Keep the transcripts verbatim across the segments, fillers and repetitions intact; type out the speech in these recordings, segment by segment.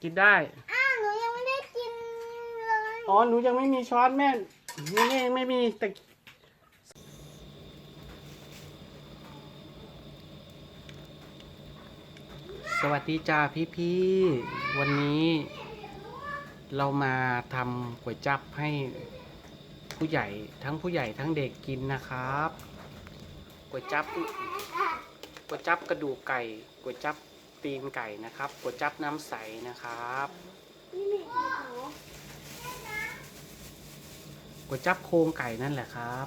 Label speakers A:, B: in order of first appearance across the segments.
A: กินได้
B: อ้าวหนูยังไม่ได้กินเลย
A: อ๋อหนูยังไม่มีช้อนแม่นี่นี่ไม่มีแต่สวัสดีจ้าพี่พี่วันนี้เรามาทำก๋วยจั๊บให้ผู้ใหญ่ทั้งผู้ใหญ่ทั้งเด็กกินนะครับก๋วยจั๊บก๋วยจั๊บกระดูกไก่ก๋วยจั๊บตีนไก่นะครับก๋วยจั๊บน้ำใสนะครับก๋วยจั๊บโครงไก่นั่นแหละครับ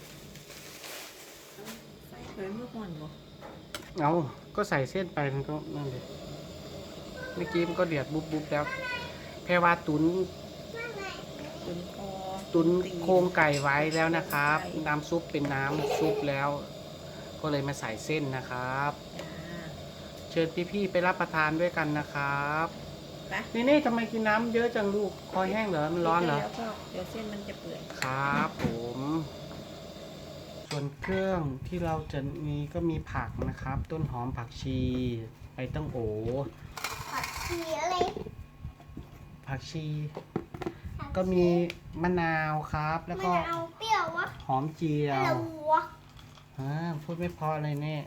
C: ใส่เคยเมื่อก่อนบ่
A: เอาก็ใส่เส้นไปมันก็นั่นเลยเมื่อกี้มันก็เดือดบุบบุบแล้วแพรว่าตุน
C: ตุนคอ
A: ตุนโครงไก่ไว้แล้วนะครับน้ำซุปเป็นน้ำซุปแล้ว ก็เลยมาใส่เส้นนะครับ
C: จ้า
A: เชิญพี่ๆไปรับประทานด้วยกันนะครับ
C: ไป
A: นี่นี่ทำไมกินน้ำเยอะจังลูกคอแห้งเหรอมันร้อนเหรอ
C: แล้วก็เดี๋ยวเส้นมันจะเปื่อย
A: ครับผมส่วนเครื่องที่เราจะมีก็มีผักนะครับ ต้นหอมผักชีใบตั้งโอ
B: ผักชีอะไร
A: ผักชี ก็มีมะนาวครับ แล้วก็
B: มันเอาเปรี้ยววะ
A: หอมเจีย
B: อะไร
A: ว
B: วะ
A: อ่าพูดไม่พอเลยเนี่ย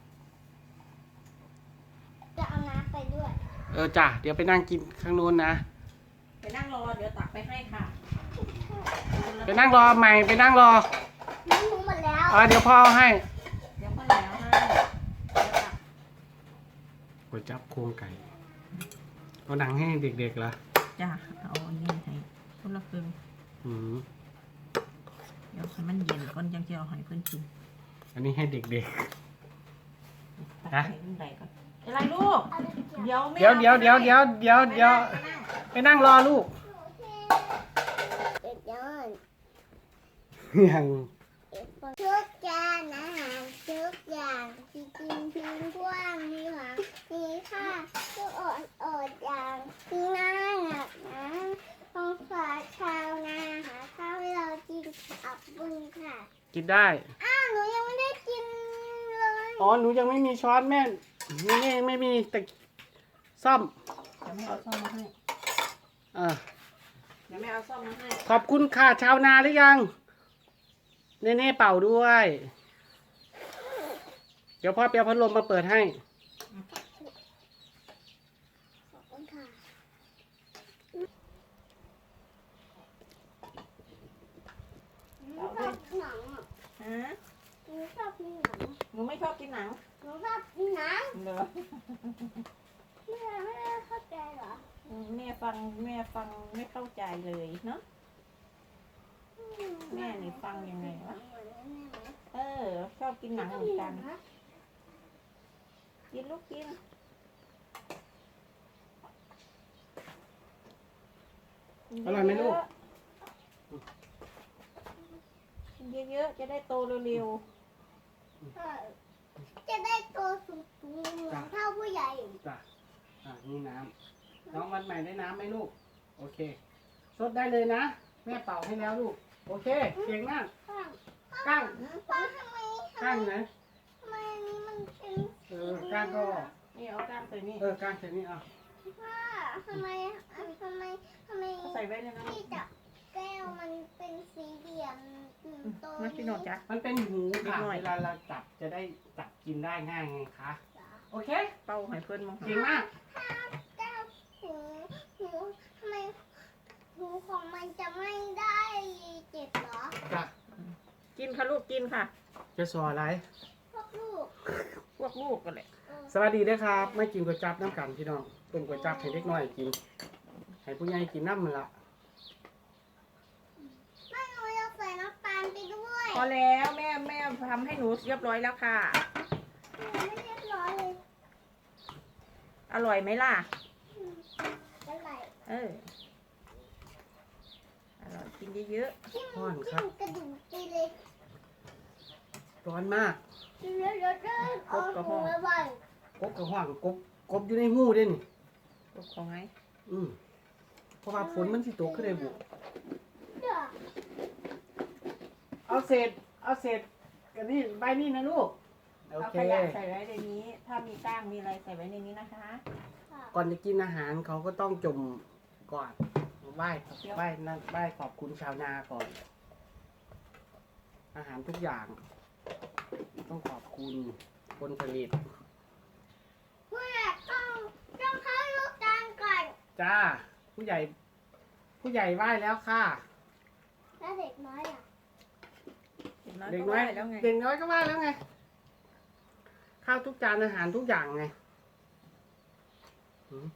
B: จะเอาน้ำไปด้วย
A: เออจ้ะเดี๋ยวไปนั่งกินข้างนู้นนะ
C: ไปนั่งรอเดี๋ยวตักไปให้ค่ะ
A: ไปนั่งรอใหม่ไปนั่งรอ
B: น้ำหนูหมดแล้ว
A: เออเดี๋ยวพ่อเอาให้
C: เดี๋ยวก็แล้วให้เดี๋ยวตัก
A: ก๋วยจั๊บโครงไก่เอาหนังให้เด็กๆเหรอ
C: จ้าเอาอันนี้ให้คนละครึ่ง
A: อืม
C: เดี๋ยวให้มันเย็นก่อนยังจะเอาให้เพื่อนกิน
A: อันนี้ให้เด็ก
C: ตัก
A: ฮะ
C: ให้มันไหลก่อนอะไรลูก
B: เอาไปเกี่ยว
C: เดี๋ยวแม่
A: ๆเดี๋ยวเดี๋ยวเดี๋ยวเดี๋ยวเดี๋ยวเดี๋ยว
C: ไปนั่ง
A: ไปนั่งรอลูก
B: เด็ดย้อน
A: ยัง
B: ทุกจานอาหารทุกอย่างที่กินทิ้งกว้างมีหวังมีค่าทุกอดอดอย่างที่น่าหนักหนาต้องฝากชาวนาหาข้าวให้เรากินอับบุญค่ะ
A: กินได้
B: อ้าวหนูยังไม่ได้กินเลย
A: อ๋อหนูยังไม่มีช้อนแม่นี่นี่ไม่มีแต่ซ่อม
C: เดี๋ยวแม่เอาซ่อมมาให้
A: เออ
C: เดี๋ยวแม่เอาซ่อมมาให้
A: ขอบคุณค่ะชาวนาหรือยังเน่เน่เป่าด้วย เดี๋ยวพ่อเปียพัดลมมาเปิดให้
B: ขอบคุณค่ะหนูชอบหนังอ่ะ
C: ฮะ
B: หนูชอบกินหนัง
C: หนูไม่ชอบกินหนัง
B: หนูชอบกินหนัง
C: เหรอ
B: แม่ไม่ได้เข้าใจเหรอ
C: อืมแม่ฟังแม่ฟังไม่เข้าใจเลยเนาะ แม่นี่ฟังยังไงวะ เออ ชอบกินหนังเหมือนกัน กินลูกกิน
A: อร่อยไหมลูก
C: กินเยอะๆจะได้โตเร็ว
B: จะได้โตสูงๆเหมือนเท่าผู้ใหญ่
A: จ้ะอ่ะนี่น้ำน้องวันใหม่ได้น้ำไหมลูก โอเคสดได้เลยนะ แม่เป่าให้แล้วลูก โอเค เก่งมาก
B: ข้าง
A: ก้าง
B: ป้าทำไมทำ
A: ก้าง
B: ไม
A: ไหน
B: ทำไมอันนี้มันเป็น
A: เออก้างก็
C: ๆนี่เอากล้ามใส่นี่
A: เออก้างเสร็จนี่เอา
B: ป้าทำไมอันทำไมทำไม
C: เอาใส่ไว้เลยนะ
B: ที่จับแก้วมันเป็นสีเหลี่ยมโต
C: มาพี่โนดจ้ะ
A: มันเป็นหูค่ะ
C: นิดหน่อย
A: เวลาเราจับจะได้จับกินได้ง่ายไงคะ โอเค
C: เป้าให้เพื่อนมอง
A: เก่งมาก
B: แก้วหูหูทำไมหูของมันจะไม่ได้เจ็บเหรอ
A: จ้ะ
C: กินค่ะลูกกินค่ะ
A: จะสอนอะไร
B: พวกลูก
C: พวกลูกกันแหละ
B: เออ
A: สวัสดีด้วยครับไม่กินก๋วยจั๊บน้ำกันพี่น้องต้มก๋วยจั๊บให้เด็กน้อยกิน ให้ผู้ใหญ่กินน้ำมันละ
B: แม่หนูอยากใส่น้ำตาลไปด้วย
C: พอแล้วแม่แม่ทำให้หนูเรียบร้อยแล้วค่ะ
B: หนูไม่เรียบร้อยเลย
C: อร่อยไหมล่ะ
B: อืมอะไร
C: เออ อร่อยกินเยอะ
B: ที่มันที่มันกระดูกไปเลย
A: ร้อนมาก
B: เดี๋ยวเดี๋ยวเดี๋ยวเอาหนูไว้
A: กบกับห่างกบกบอยู่ในหูด้วยนี่
C: ๆลูกของไง
A: อืมเพราะว่าฝนมันสิตกขึ้นเลยบุ
B: เดี๋ยว
A: เอาเศษเอาเศษกันนี่ใบนี่นะลูกโอ
C: เอา
A: เค
C: ขยะใส่ไว้ในนี้ ถ้ามีก้างมีอะไรใส่ไว้ในนี้นะคะ
B: ค่ะ
A: ก่อนจะกินอาหารเขาก็ต้องจมก่อนไหว้ไหว้นั่นไหว้ขอบคุณชาวนาก่อน อาหารทุกอย่าง ต้องขอบคุณคนผลิต
B: ผู้ใหญ่ต้องต้องเข้าลูกจานก่อน
A: จ้า ผู้ใหญ่ ผู้ใหญ่ไหว้แล้วค่ะ
B: แล้วเด็กน้อยอ่ะ
C: เด็กน้อย
A: เด็กน้อย
C: ก็ไหว้แล้วไง
A: เด็กน้อยก็ไหว้แล้วไง ข้าวทุกจานอาหารทุกอย่างไงหืม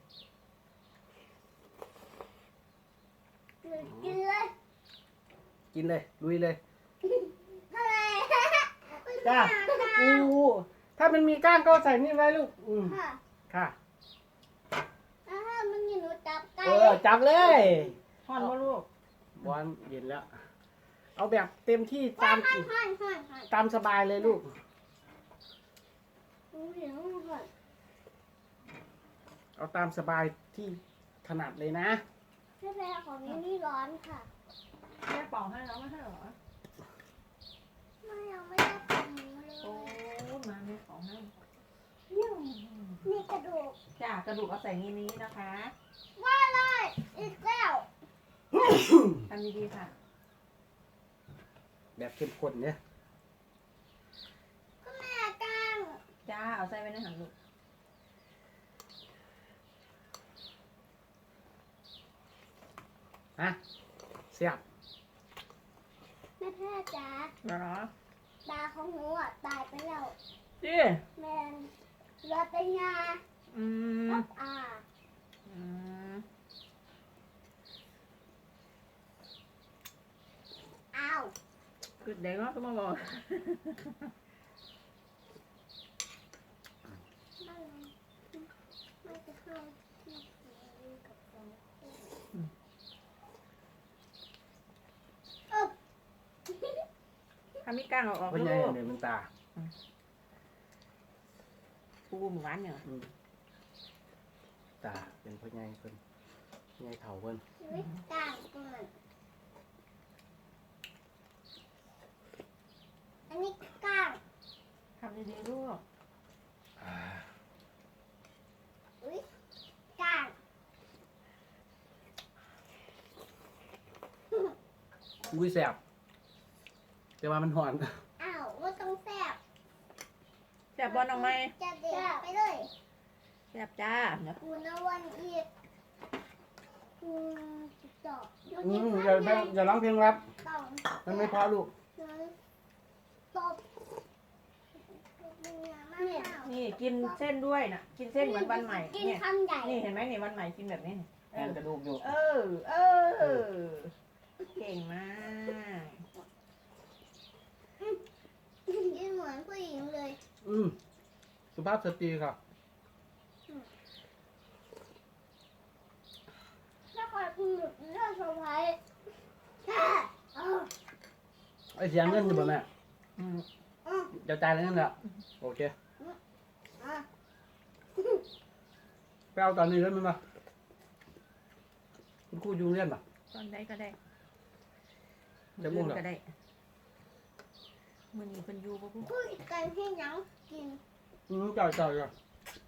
B: กินเลย
A: กินเลยลุยเลย
B: อะไร
A: จ้าอู้ถ้ามันมีก้างก็ใส่นี่ไว้ลูก อืม
B: ค่ะ
A: ค่ะ
B: แล้วถ้ามันมีหนูจับไก่
A: เออ จับเลย
C: ห่อนว่าลูก
A: บอลเย็นแล้ว เอาแบบเต็มที่
B: หั
A: ตาม
B: นหันหันหันหัน
A: ตามสบายเลยลูก
B: หนูเห็นหัน
A: เอาตามสบายที่ถนัดเลยนะ
B: แม่แม่ของนี่นี่ร้อนค่ะ
C: แม่เป่าให้แล้วไม่ใช่เหรอ
B: ไม่ยังไม่ได้ทำเลย
C: โอ้มาแม่เป่าให้
B: นี่กระดูก
C: จ้ากระดูกเอาใส่งี้นี้นะคะ
B: ว่าเลยอีกแล้ว
C: ทำดีๆค่ะ
A: แบบเข้มข้นเนี่ย
B: ก็แม่กลาง
C: จ้าเอาใส่ไว้ในหันลูก
A: ฮะเสียบ
B: แม่แพ้จ๋า
C: เหรอ
B: ตาของหนูอ่ะตายไปแล้ว
C: จี
B: แมนเหลือแต่ยา
C: อืม
B: กับอา
C: อืม
B: อ้าว
C: คือเด็กเนาะก็มาบอก
B: ไม่ไม่จะเข้าที่นี่กับเราเออ
C: ทำมีก้างเอาออก
A: เพราะ
C: ลู
A: ไง
C: ก
A: เนี่ยมันตา
C: ปูหมูหวานเนี่ย
A: อืมตาเป็นพ่อใหญ่คนใหญ่เถ่าคน
B: ชีวิตต่างกันอันนี้กลาง
C: ทำดีๆลูก
A: อ่า
B: อุ้ยกลาง
A: อุ้ยแสบแต่ว่ามันหอน
B: อ้าวว่าต้องแซ่บ
C: แซ่บบอลออกไหม
B: จะเด็ดไปเลย
C: แซ่บจ้าเดี๋ยว
B: กูนวันอีกอืมต่อ
A: อืมอย่าอย่าอย่าร้องเพลงรับ
B: ต้อง
A: มันไม่เพอลูก
B: ตบเนี่ย
C: นี่กินเส้นด้วยนะกินเส้นเหมือนวันใหม่
B: กิน
C: เนี่ย
B: คำใหญ่
C: นี่เห็นไหมนี่วันใหม่กินแบบนี้นี่
A: แอนกระดูกอยู่
C: เออ เออ เก่งมาก
B: กินเหมือนผู้หญิงเลย
A: อืมสุภาพสตรีครับ
B: ถ้าคอยคุณหลุดเรื่องสะพ้ายแค่เออ
A: ไอเสียงเงินอยู่บ่แม่
C: อืม
B: อืม
A: เดี๋ยวจ่ายแล้วนั่นแหละโอเค
B: อ่ะ
A: ไปเอาตอนนี้เลยมั้ยมาคุณครูอยูเรียนป่ะ
C: ตอนใดก็ได้
A: จะมุ่งเหรอ
C: ก็ได้มือนี้เพิ่นอยู่บ่พู
B: คุยกันให้หยังกิน
A: อืมจ่ายจ่ายจ่าย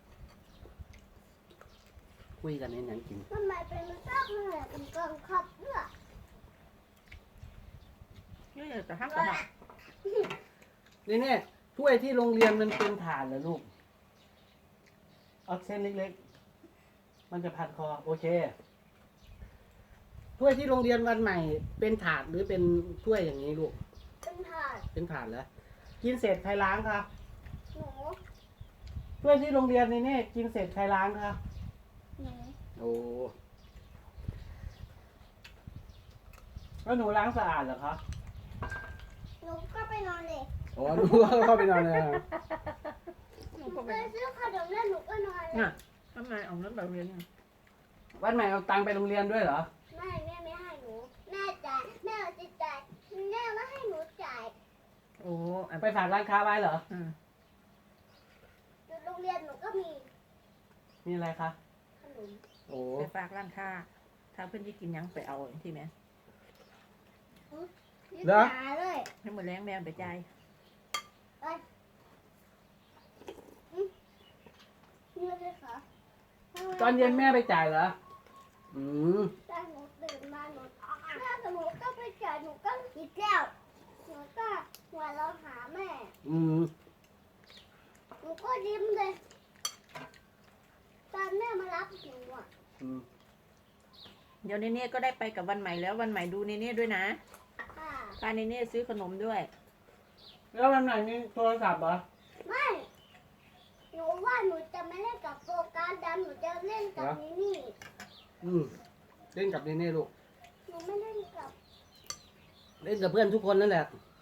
A: คุยกันในหนังกิน
B: ทำไมเป็นมันชอบเหนื่อยเป็นกองขับเพื่อ
C: นี่เดี๋ยวจะทำกระหับ
A: นี่เนี่ยถ้วยที่โรงเรียนมันเป็นถาดเหรอลูกเอาเส้นเล็กๆ มันจะพันคอ โอเค ถ้วยที่โรงเรียนวันใหม่ เป็นถาดหรือเป็นถ้วยอย่างนี้ลูก
B: เป็นถาด
A: เป็นถาดแล้ว กินเสร็จใครล้างครับ
B: หนู
A: ถ้วยที่โรงเรียนนี่เนี่ยกินเสร็จใครล้างครับ
B: หนู
A: โอ้แล้วหนูล้างสะอาดเหรอครับ
B: หนูก็ไปนอนเลย
A: โอ้หนูเข้าไปนอนเลยนะ
B: หนูไปซื้อขนมแล้วหนูก็นอนเลย
C: น่ะทำไมเอาเงินแบบเรียนเนี่ย
A: วันใหม่เอาตังค์ไปโรงเรียนด้วยเหรอ
B: ไม่แม่ไม่ให้หนูแม่จ่ายแม่เอาจิตจ่ายแม่ไม่ให้หนูจ่าย
C: โอ้อัน
A: ไปฝากร้านค้าไว้เหรอ
C: อืม
B: อยู่โรงเรียนหนูก็มี
A: มีอะไรคะ
B: ขนม
A: โอ้
C: ไปฝากร้านค้าถ้าเพิ่นสิกินหยังไปเอาที่แม่
B: ยึดหาเลย
C: ให้มื้อแรงแม่เอาไปจ่าย
B: นี่เลยค่ะ
A: ตอนเย็นแม่ไปจ่ายเหรอ อืม
B: แต่หนูตื่นมาหนูแม่แต่หนูก็ไปจ่ายหนูก็คิดแล้วหนูก็หัวเราะหาแม่
A: อืม
B: หนูก็ยิ้มเลยตอนแม่มารับหนูอ่ะ
A: อืม
C: เดี๋ยวเนเน่ก็ได้ไปกับวันใหม่แล้ววันใหม่ดูเนเน่ด้วยนะ
B: ค่ะ
C: พาเนเน่ซื้อขนมด้วย
A: แล้ววันไหนมีโทรศัพท์เหรอ
B: ไม่หนูว่าหนูจะไม่เล่นกับโฟกัสดันหนูจะเล่นกับ
A: เหรอ
B: นี่นี่
A: อืม เล่นกับเนเน่ลูก
B: หนูไม่เล่นกับ
A: เล่นกับเพื่อนทุกคนนั่นแหละ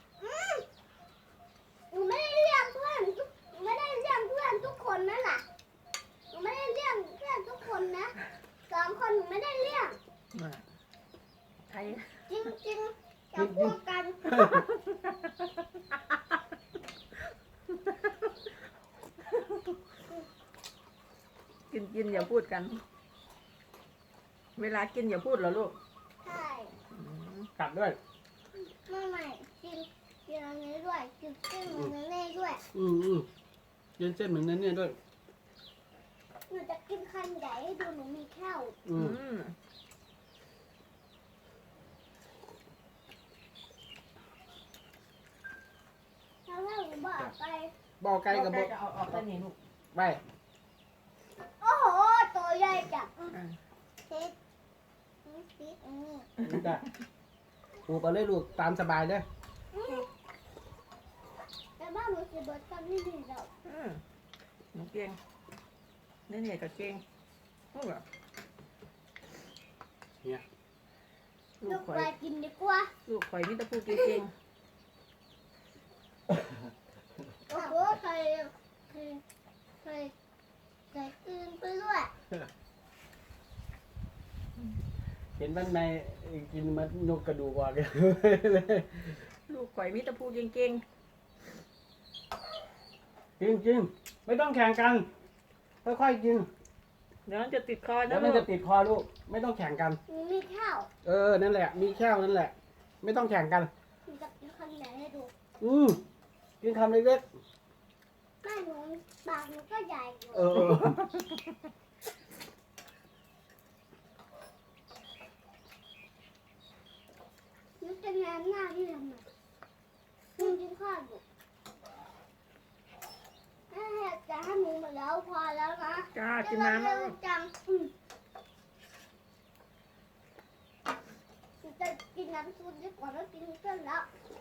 B: หนูไม่ได้เรียกเพื่อนทุกหนูไม่ได้เรียกเพื่อนทุกคนนั่นแหละหนูไม่ได้เรียกเพื่อนทุกคนนะสองคนหนูไม่ได้เรียก
C: ใคร
B: จริงจริงๆจะพูดกัน
C: กินกินอย่าพูดกัน เวลากินอย่าพูดเหรอลูก
B: ใช่
C: อืม
A: กลับด้วย
B: ไม่ไม่กินกินอันนี้ด้วยกินเส้นมันเน่ด้วย
A: อืมอืมเย็นเส้นเหมือนเนเน่ด้วย
B: หนูจะกินคันใหญ่ให้ดูหนูมีแค่ว
A: อื
C: อื
A: ม
C: ม
B: แล้วถ้าหนูบอกไป
A: บอกไกลกับบอก
C: จะเอาออกไปนี่ลูก
A: ไป
B: โอ้โหตัวใหญ่จัง
C: อ่ะ
B: เซ็ตนี่ซีอันนี้
A: นี่จ้ะปลูกไปเลยลูกตามสบายเลย
B: แต่บ้านหนูสิเบิร์ตกันไม่ดีแล้ว
C: อืมหนูเก่งเนเน่ก็เก่งลูกเหรอ
A: เนี่ย
C: ลู
B: ลู
C: ก
B: ก
C: ข่อ
B: ไป
C: ย
B: กินดีกว่า
C: ลูกข่อยมิตรพูดเก่ง
B: โอ้โหเคยเคยเคยเคยตื่นไปด้วย
A: เห็นวันในกินมันนกกระดูกอ่อนเลย
C: ๆลูกข่อยมิตรพูดเก่ง
A: จริงจริงๆไม่ต้องแข่งกัน ค่อยๆกิน
C: ๆเดี๋ยวมันจะติดคอ
A: แล้
C: นะ
A: วมัน
C: ลู
A: จะ
C: ก
A: ติดคอลูก ไม่ต้องแข่งกัน
B: หนูมีข้าว
A: เออ นั่นแหละ มีแค่วนั่นแหละ ไม่ต้องแข่งกัน
B: หนูจะกินคันใหญ่ให้ดู
A: อืมกินคำเล็ก
B: แม่หนูปากหนูก็ใหญ่อยู่
A: ๆเออเออ
B: หนูจะแงนหน้าที่ทำไมหนูกินข้าวอยู่แม่จะให้หนูหมดแล้วพอแล้วนะ
C: จ้า
B: จะ
C: กินน้ำ
B: เร็
C: นะ
B: ว
C: ลูก
B: จังอืมหนูจะกินน้ำซุปดีกว่าแล้วกินเส้นแล้ว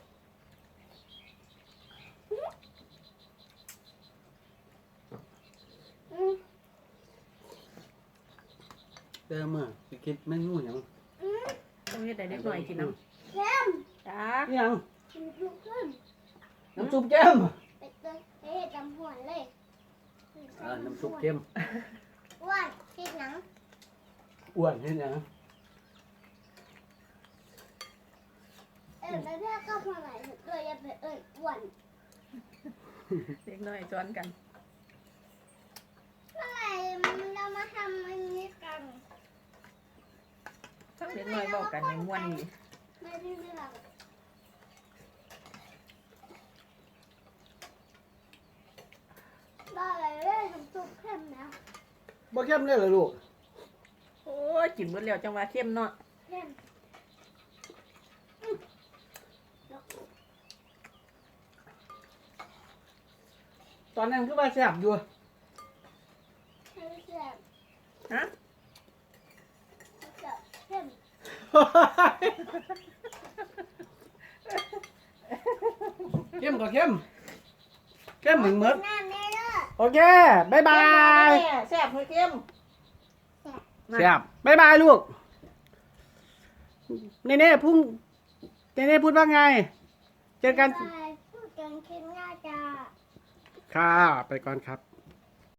B: อืม
A: เดิมอ่ะสิคิดไม่งูอย่าง
B: อืม
C: ต้องให้แต่เด็กหน่อยกินน้
B: เค็ม
C: ำจ้า
A: นี่ยัง
B: กินทุกขึ้น
A: น้ำซุปแก้ม
B: ไปเตยเอ๊ะจำหัวเลย
A: เออน้ำซุปเข้ม
B: อ้วนกินหนัง
A: อ้วนนี่นะ
B: เอ็นแล้วเนี่ยก็มาไหนเลยอย่าไปเอ้ยอ้วน
C: เด็กหน่อยซ้อนกัน
B: เมื่อไหร่เรามาทำอันนี้กัน
C: ทั้งเด็กหน่อยบอกกันในม้วนนี่
B: ไม่ได้เรื่องได้เลยเรื่องทำซุปเข้มนะ
A: บ่เข้มเลยเหรอลูก
C: โอ้ยกินเบิดแล้วจังหวะเข้มเนาะ
B: เข้ม
A: ตอนนั้นคือว่าแซ่บอยู่
B: ให้แซ่บ
C: ฮะ
B: แซ่บเข้ม
A: เข้มก็เข้ม เข้มเหมือนเมืด
B: น้ำแน่เลย
A: โอเค บ๊ายบาย
C: แซ่บไหมเข้ม
A: แซ่บบ๊ายบายลูก เนเน่พุ่งเนเน่พูดว่าไง เจอกัน
B: ไปพูดกันเข้มน่าจะ
A: ค่ะ ไปก่อนครับ